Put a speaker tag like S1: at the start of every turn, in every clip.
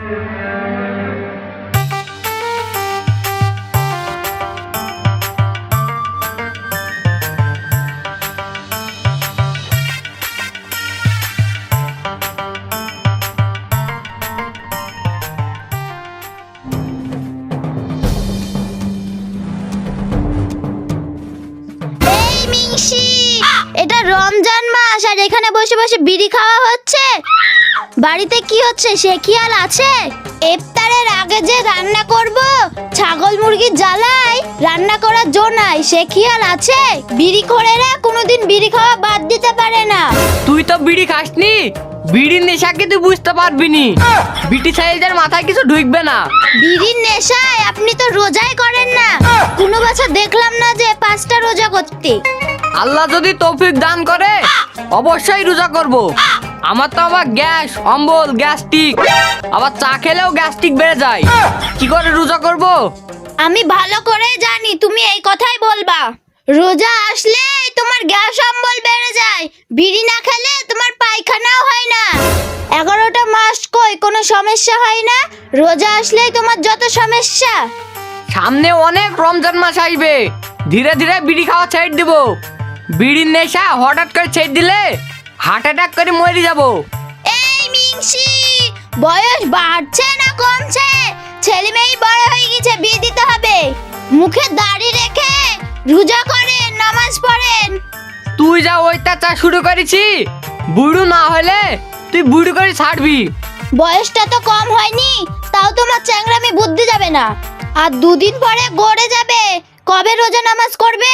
S1: এটা রমজান মাস আর এখানে বসে বসে বিড়ি খাওয়া হচ্ছে। বাড়িতে কি হচ্ছে সে খেয়াল আছে? ইফতারের আগে যে রান্না করব, ছাগল মুরগি জ্বালাই রান্না করার জো নাই, সে খেয়াল আছে? বিড়ি খোরেরা কোনোদিন বিড়ি খাওয়া বাদ দিতে পারে না।
S2: তুই তো বিড়ি খাসনি, বিড়ির নেশা কি তুই বুঝতে পারবি নি? বিটি ছেলেদের মাথায় কিছু ঢুকবে না।
S1: বিড়ির নেশায় আপনি তো রোজাই করেন না। কোনো বছর দেখলাম না যে 5টা রোজা করতে।
S2: আল্লাহ যদি তৌফিক দান করে অবশ্যই রোজা করব। আমার তো আবার গ্যাস অম্বল গ্যাস্ট্রিক, আবার চা খেলেও গ্যাস্ট্রিক বেড়ে যায়, কি করে রোজা করব?
S1: আমি ভালো করে জানি তুমি এই কথাই বলবা। রোজা আসলে তোমার গ্যাস অম্বল বেড়ে যায়, বিড়ি না খেলে তোমার পায়খানাও হয় না। 11টা মাস কই কোনো সমস্যা হয় না, রোজা আসলেই তোমার যত সমস্যা।
S2: সামনে অনেক রমজান মাস আসবে, ধীরে ধীরে বিড়ি খাওয়া ছেড়ে দিব। বিড়ির নেশা হঠাৎ করে ছেড়ে দিলে হার্ট অ্যাটাক করে মরে যাব।
S1: এই মিংসি, বয়স বাড়ছে না কমছে? ছেলে মেয়ে বড় হয়ে গেছে, বিয়ে দিতে হবে। মুখে দাড়ি রেখে রোজা করেন, নামাজ পড়েন।
S2: তুই যা অত্যাচার শুরু করেছি, বুড়ো না হলে তুই বুড়ো করে ছাড়বি।
S1: বয়সটা তো কম হয়নি, তাও তোমার চ্যাংরামি বুদ্ধি যাবে না। আর 2 দিন পরে গড়ে যাবে, কবে রোজা নামাজ করবে?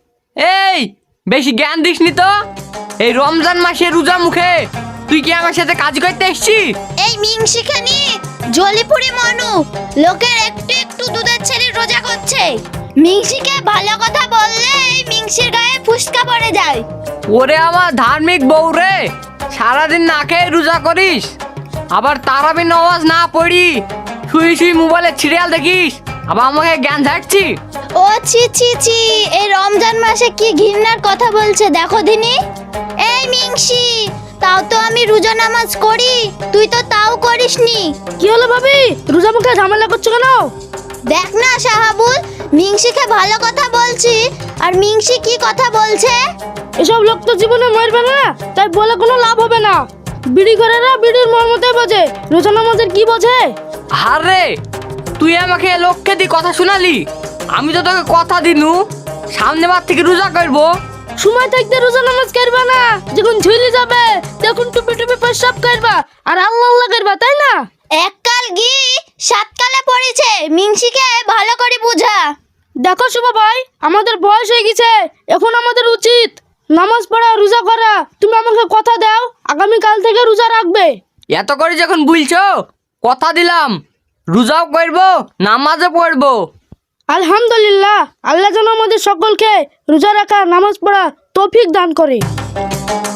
S2: এই বেশি জ্ঞান দিসনি তো। এই রমজান মাসে রোজা মুখে তুই কি আমার সাথে কাজ করতে এসেছিস?
S1: এই মিংসিখানি জলিপুরি মনু, লোকের একটু একটু দুধের ছেলে রোজা করছে। মিংসিকে ভালো কথা বললে এই মিংসির গায়ে ফুসকা পড়ে যায়।
S2: ওরে আমার ধার্মিক বউ রে, সারাদিন না খেয়ে রোজা করিস, আবার তারাবি নামাজ না পড়ি শুই শুই মোবাইলে সিরিয়াল দেখিস, আবার আমাকে জ্ঞান ঝাড়ছি।
S1: ও ছি ছি ছি, এই রমজান মাসে কি ঘৃণার কথা বলছে দেখো দিনি। এই মিংসি, তাও তো আমি রোজা নামাজ করি, তুই তো তাও করিসনি।
S3: কি হলো ভাবি, রোজা মুখে ঝামেলা করছো কেন?
S1: দেখ না শাহাবুল, মিংসিকে ভালো কথা বলছি আর মিংসি কি কথা বলছে।
S3: এসব লোক তো জীবনে মরবে না, তাই বলে কোনো লাভ হবে না। বিড়ি করেরা বিড়ির মর্মতে বোঝে, রোজা নামাজের কি বোঝে?
S2: আরে তুই আমাকে লক্ষ্যে দিয়ে কথা শোনালি, আমি তো তোকে কথা দিনু সামনে বার থেকে রোজা করবো।
S3: সময় থাকতে রোজা নামাজ করবা না, যখন ঝুলি যাবে তখন টুপি টুপি পেশাব করবা আর আল্লাহ আল্লাহ করবা, তাই না?
S1: এককাল গি 7 কালে পড়েছে, মিংসিকে ভালো করে বুঝা।
S3: দেখো শুভ ভাই, আমাদের বয়স হয়ে গেছে, এখন আমাদের উচিত নামাজ পড়া রোজা করা। তুমি আমাকে কথা দাও আগামীকাল থেকে রোজা রাখবে।
S2: এত করে যখন বলছো কথা দিলাম, রোজাও করবো নামাজও পড়বো।
S3: আলহামদুলিল্লাহ, আল্লাহ যেন আমাদের সকলকে রোজা রাখা নামাজ পড়া তৌফিক দান করে।